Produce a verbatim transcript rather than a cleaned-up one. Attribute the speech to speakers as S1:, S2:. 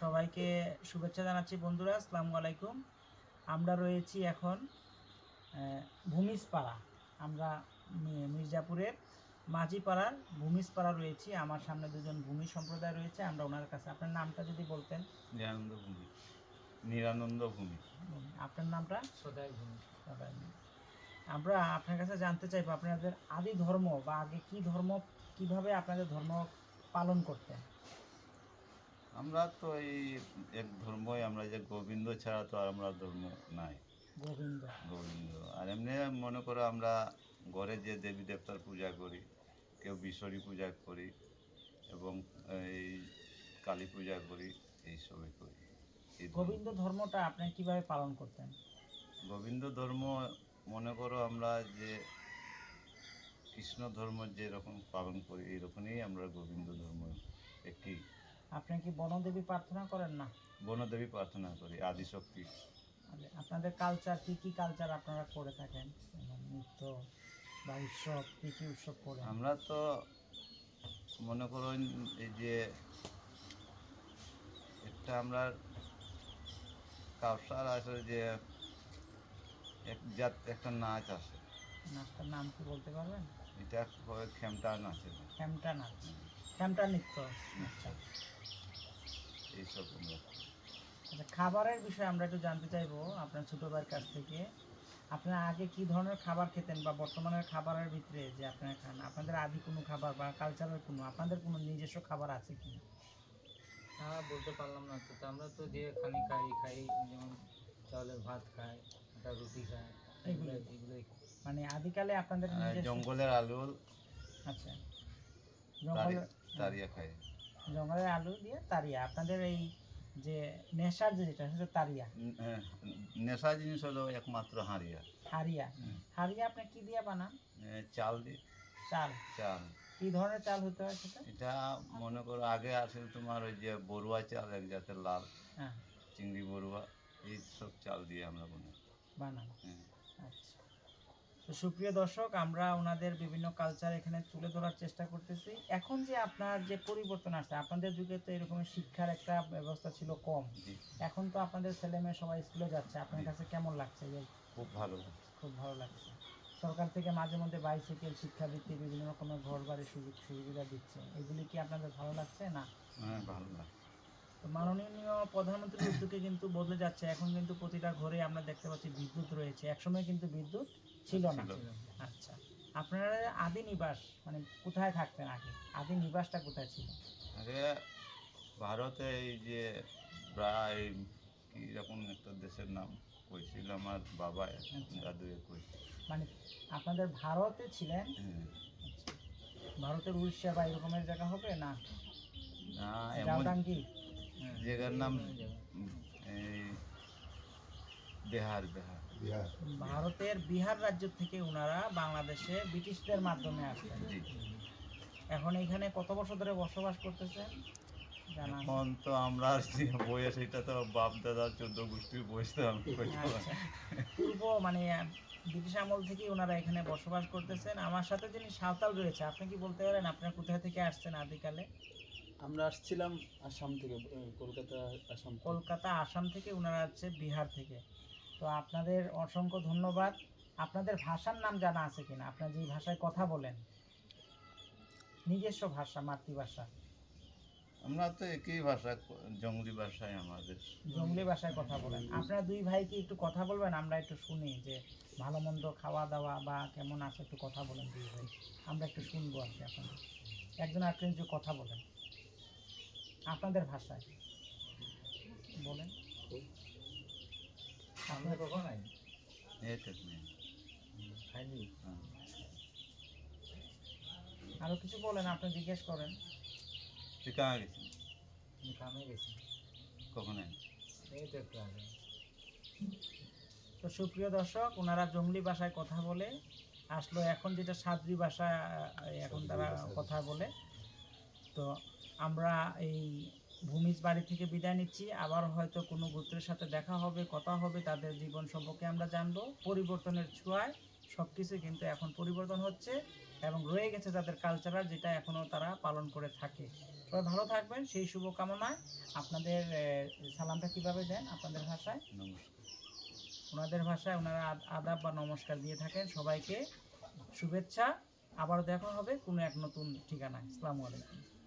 S1: সবাইকে শুভেচ্ছা জানাচ্ছি বন্ধুরা, আসসালামু আলাইকুম। আমরা রয়েছি এখন ভূমিজপাড়া। আমরা মির্জাপুরের মাঝিপাড়ার ভূমিজপাড়া রয়েছি। আমার সামনে দুজন ভূমি সম্প্রদায় রয়েছে, আমরা ওনার কাছে। আপনার নামটা যদি বলতেন।
S2: নিরানন্দ ভূমি। নিরানন্দ ভূমি।
S1: আপনার নামটা?
S3: সদাই ভূমি।
S1: সদাই ভূমি। আমরা আপনার কাছে জানতে চাইবো আপনাদের আদি ধর্ম বা আগে কি ধর্ম, কিভাবে আপনাদের ধর্ম পালন করতেন।
S2: আমরা তো এই এক ধর্মই, আমরা যে গোবিন্দ ছাড়া তো আর আমরা ধর্ম নাই।
S1: গোবিন্দ
S2: গোবিন্দ আর এমনি মনে করো আমরা ঘরে যে দেবী দেবতার পূজা করি, কেউ বিশ্বরী পূজা করি এবং এই কালী পূজা করি, এইসবই করি। এই
S1: গোবিন্দ ধর্মটা আপনি কিভাবে পালন করতেন?
S2: গোবিন্দ ধর্ম মনে করো আমরা যে কৃষ্ণ ধর্ম যেরকম পালন করি এইরকমই আমরা গোবিন্দ ধর্ম একই।
S1: আপনি কি বনদেবী প্রার্থনা করেন? না,
S2: বনদেবী প্রার্থনা করি, আদিশক্তি।
S1: আপনাদের কালচার কি কি কালচার আপনারা করে থাকেন, নৃত্য বা উৎসব, কি কি উৎসব করেন?
S2: আমরা তো মনে করুন এই যে একটা আমরা কাউসার আছে, যে এক জাত একটা নাচ আছে,
S1: নাচটার নাম কি বলতে পারবেন?
S2: এটা হয় খেমটা নাচে,
S1: খেমটা নাচ, খেমটা নৃত্য। আচ্ছা
S2: এইসব আমরা।
S1: আচ্ছা, খাবারের বিষয়ে আমরা একটু জানতে চাইবো আপনার ছোটো ভাইয়ের কাছ থেকে। আপনারা আগে কি ধরনের খাবার খেতেন বা বর্তমানের খাবারের ভিতরে যে আপনারা খান, আপনাদের আদি কোনো খাবার বা কালচারের কোনো আপনাদের কোনো নিজস্ব খাবার আছে কি?
S3: হ্যাঁ, বলতে পারলাম না তো। আমরা তো যে খানি খাই খাই যেমন চাউলের ভাত খাই, আটা রুটি খাই, এগুলো এগুলোই খাই।
S1: মানে আদিকালে আপনাদের নিজস্ব-
S2: জঙ্গলের আলু,
S1: আচ্ছা, জঙ্গলের
S2: তারিয়া খায়,
S1: জঙ্গলের আলু দিয়ে তারিয়া। আপনাদের এই যে নেশার যে যেটা সেটা তারিয়া।
S2: নেশা জিনিস হলো একমাত্র হাঁড়িয়া।
S1: হারিয়া, হারিয়া আপনি কি দিয়ে বানান?
S2: চাল দিয়ে।
S1: চাল।
S2: চাল
S1: কি ধরনের চাল হতে হয় সেটা?
S2: এটা মনে করো আগে আসলে তোমার ওই যে বড়ুয়া চাল, এক জাতের লাল,
S1: হ্যাঁ,
S2: চিংড়ি বড়ুয়া, এই সব চাল দিয়ে আমরা বানাই
S1: বানান।
S2: হ্যাঁ।
S1: আচ্ছা, তো সুপ্রিয় দর্শক, আমরা ওনাদের বিভিন্ন কালচার এখানে তুলে ধরার চেষ্টা করতেছি। এখন যে আপনার যে পরিবর্তন আসছে, আপনাদের যুগে তো এরকম শিক্ষার একটা ব্যবস্থা ছিল কম, এখন তো আপনাদের ছেলে মেয়ে সবাই স্কুলে যাচ্ছে, আপনার কাছে কেমন লাগছে?
S2: খুব ভালো,
S1: খুব ভালো লাগছে। সরকার থেকে মাঝে মধ্যে বাইসাইকেল, শিক্ষাবৃত্তি, বিভিন্ন রকমের ঘর বাড়ির সুযোগ সুবিধা দিচ্ছে, এগুলি কি আপনাদের ভালো লাগছে? না,
S2: হ্যাঁ ভালো লাগছে।
S1: তো মাননীয় প্রধানমন্ত্রীর উদ্যোগে কিন্তু বদলে যাচ্ছে। এখন কিন্তু প্রতিটা ঘরে আমরা দেখতে পাচ্ছি বিদ্যুৎ রয়েছে, একসময় কিন্তু বিদ্যুৎ ছিল না। আচ্ছা, আপনারা আদি নিবাস মানে কোথায় থাকতেন আগে? আদি নিবাসটা কোথায় ছিল?
S2: আগে ভারতে এই যে প্রায় কি রকম একটা দেশের নাম কইছিল আমার বাবা, দাদু কইছিল।
S1: মানে আপনাদের ভারতে ছিলেন?
S2: হ্যাঁ।
S1: ভারতের উড়িষ্যা বা এরকমের জায়গা হবে? না
S2: না, এমন
S1: জাউডাঙ্গি
S2: জায়গার নাম এই বিহার। বিহার
S4: বিহার
S1: ভারতের বিহার রাজ্য থেকে ওনারা বাংলাদেশে ব্রিটিশদের মাধ্যমে আসতেন। এখন এখানে কত বছর ধরে বসবাস করতেছেন জানা?
S2: এখন তো আমরা বয়স, এটা তো বাপ দাদা চোদ্দ গোষ্ঠীর বয়স, তো আমি
S1: আচ্ছা, পূর্ব মানে ব্রিটিশ আমল থেকে ওনারা এখানে বসবাস করতেছেন। আমার সাথে যিনি সাঁওতাল রয়েছে, আপনি কি বলতে পারেন আপনারা কোথায় থেকে আসছেন আদিকালে?
S4: আমরা আসছিলাম আসাম থেকে, কলকাতা আসাম।
S1: কলকাতা আসাম থেকে, ওনারা হচ্ছে বিহার থেকে। তো আপনাদের অসংখ্য ধন্যবাদ। আপনাদের ভাষার নাম জানা আছে কিনা? আপনারা যে ভাষায় কথা বলেন, নিজস্ব ভাষা, মাতৃভাষা?
S2: আমরা তো একই ভাষা, জঙ্গলি ভাষায় আমাদের।
S1: জঙ্গলি ভাষায় কথা বলেন। আপনারা দুই ভাই কি একটু কথা বলবেন? আমরা একটু শুনি যে ভালো মন্দ, খাওয়া দাওয়া বা কেমন আছে, একটু কথা বলেন দুই ভাই, আমরা একটু শুনবো আর কি। আপনাদের একজন আরেকজন একটু কথা বলেন আপনাদের ভাষায়, বলেন।
S3: আমরা কখন আই
S2: এই তো নেই।
S3: খাইনি।
S2: হ্যাঁ।
S1: আরো কিছু বলেন, আপনি জিজ্ঞেস করেন।
S2: তুই কামে গেছিস?
S3: আমি কামে গেছি,
S2: কখন আই?
S3: এই তো একটু আগে।
S1: তো সুপ্রিয় দর্শক, ওনারা জঙ্গলি ভাষায় কথা বলে আসলো, এখন যেটা সাদ্রি ভাষা এখন তারা কথা বলে। তো আমরা এই ভূমিজ বাড়ি থেকে বিদায় নিচ্ছি। আবার হয়তো কোনো গোত্রের সাথে দেখা হবে, কথা হবে, তাদের জীবন সম্পর্কে আমরা জানবো। পরিবর্তনের ছোঁয়ায় সব কিছু কিন্তু এখন পরিবর্তন হচ্ছে এবং রয়ে গেছে তাদের কালচারাল, যেটা এখনও তারা পালন করে থাকে। সবাই ভালো থাকবেন সেই শুভকামনায় আপনাদের আহ, সালামটা কিভাবে দেন আপনাদের ভাষায়?
S2: নমস্কার।
S1: ওনাদের ভাষায় ওনারা আদ- আদাব বা নমস্কার দিয়ে থাকেন। সবাইকে শুভেচ্ছা, আবারও দেখা হবে কোনো এক নতুন ঠিকানায়। আসসালামু আলাইকুম।